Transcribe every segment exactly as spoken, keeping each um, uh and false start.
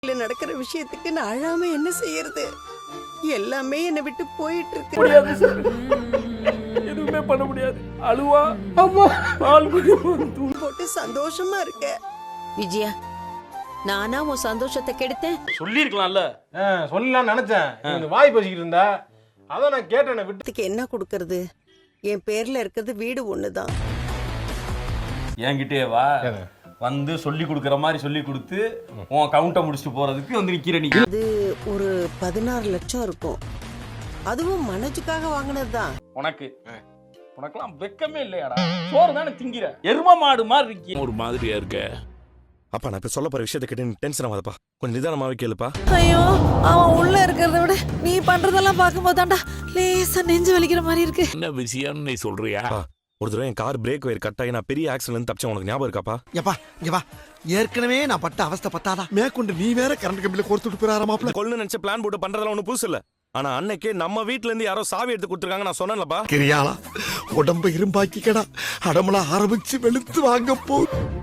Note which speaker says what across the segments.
Speaker 1: நடக்கிற விஷயத்துக்கு நான் அழாம என்ன செய்யறது? எல்லாமே என்னை விட்டு போயிட்டு இருக்கு.
Speaker 2: எதுவுமே பண்ண முடியாது. அழுவா அம்மா பால்
Speaker 1: தூள் போட்டு சந்தோஷமா இருக்க.
Speaker 3: விஜயா, நானா உன் சந்தோஷத்தை கெடுத்தேன்?
Speaker 2: சொல்லிருக்கலாம்ல.
Speaker 4: சொல்லலாம் நினைச்சேன். வாய் பேசிக்கிட்டு இருந்தா அதான் நான் கேட்டேன்.
Speaker 1: விட்டுக்கு என்ன கொடுக்கறது? என் பேர்ல இருக்கிறது வீடு ஒண்ணுதான்.
Speaker 2: என்கிட்டயே வா வந்து சொல்லி கொடுக்குற மாதிரி சொல்லி கொடுத்து உன் கவுண்டை முடிச்சுட்டு போறதுக்கு வந்து நிக்கிற நீ.
Speaker 1: அது ஒரு பதினாறு லட்சம் இருக்கும். அதுவும் மனோஜுக்காக வாங்கினதுதான்.
Speaker 2: உனக்கு உனக்கெல்லாம் வெக்கமே இல்லையாடா? சோறு தானே திங்கிற எரும மாடு மாதிரி இருக்கி.
Speaker 5: ஒரு மாதிரியா இருக்க.
Speaker 6: அப்பா நான் இப்ப சொல்ல போற விஷயத்தை கேட்டு டென்ஷன் ஆகாதப்பா. கொஞ்சம் நிதானமாவே கேளுப்பா.
Speaker 7: ஐயோ, அவன் உள்ள இருக்கிறத விட நீ பண்றதெல்லாம் பார்க்கும்போது தான்டா லேசா நெஞ்சு வலிக்கிற மாதிரி இருக்கு.
Speaker 5: என்ன விஷயம்னு நீ சொல்றியா?
Speaker 6: ஒரு தடவை என் கார் பிரேக் வயர் கட் ஆகி நான் பெரிய ஆக்சிடென்ட் தப்பிச்சேன். உனக்கு ஞாபகம் இருக்காப்பா?
Speaker 8: எப்பா இங்க வா. ஏற்கனவே நான் பட்ட அவஸ்தை பத்தாதா மேற்கொண்டு நீ வேற கரண்ட் கம்பியில கோர்த்துட்டு போறாராமாப்ல.
Speaker 6: கொள்ளு நினைச்ச பிளான் போட்டு பண்றதெல்லாம் ஒன்றும் புதுசு இல்ல. ஆனா அன்னைக்கு நம்ம வீட்ல இருந்து யாரோ சாவி எடுத்து கொடுத்துருக்காங்க. நான் சொன்னேன்லப்பா.
Speaker 8: கிரியாளா உடம்ப இரும்பாக்கிக்கடா. அடமலா ஆரம்பிச்சு வெளுத்து வாங்க போ.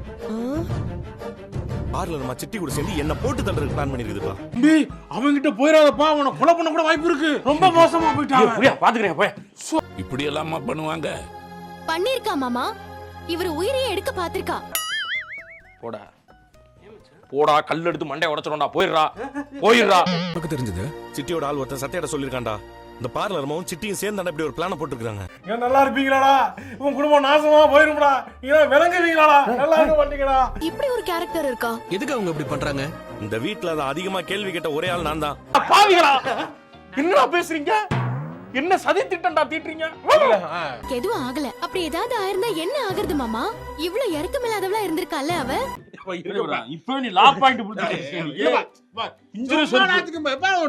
Speaker 6: கார்ல நம்ம சிட்டி கூட சேர்ந்து என்ன போட்டு தள்ளுறதுக்கு பிளான் பண்ணிருக்குதுப்பா.
Speaker 4: அவங்க கிட்ட போயிடாதப்பா. அவனை கொலை பண்ண கூட வாய்ப்பு இருக்கு. ரொம்ப மோசமா போயிட்டான்.
Speaker 2: புரியா பாத்துக்கிறேன் போய்.
Speaker 5: இப்படி எல்லாமா பண்ணுவாங்க?
Speaker 9: பண்ணிருக்கா மாமா. இவர் உயிரையே எடுக்க பாத்திருக்கா.
Speaker 2: போடா போடா கல் எடுத்து மண்டைய உடைச்சிரோம்டா. போயிடுறா போயிடுறா.
Speaker 6: உனக்கு தெரிஞ்சது சிட்டியோட ஆள் ஒருத்தன் சத்தியாட சொல்லிருக்கான்டா. இந்த பார்லர்மாவும் சிட்டியும் சேர்ந்து இப்படி ஒரு பிளான போட்டுருக்காங்க.
Speaker 4: ஏன் நல்லா இருப்பீங்களாடா? உன் குடும்பம் நாசமா போயிரும்டா. ஏன் விளங்குவீங்களாடா? நல்லா இருக்க மாட்டீங்கடா.
Speaker 9: இப்படி ஒரு கேரக்டர் இருக்கா?
Speaker 8: எதுக்கு அவங்க இப்படி பண்றாங்க?
Speaker 6: இந்த வீட்டுல அதை அதிகமா கேள்வி கேட்ட ஒரே ஆள் நான் தான்.
Speaker 2: பாவிகளா என்னடா பேசுறீங்க? என்ன சதி திட்டம்டா தீட்டுறீங்க?
Speaker 9: எதுவும் ஆகல. அப்படி ஏதாவது ஆயிருந்தா என்ன ஆகுறது மாமா? இவ்வளவு இறக்கமில்லாதவளா இருந்திருக்கால அவ.
Speaker 2: இப்ப நீ லா பாயிண்ட் புடிச்சிட்டே.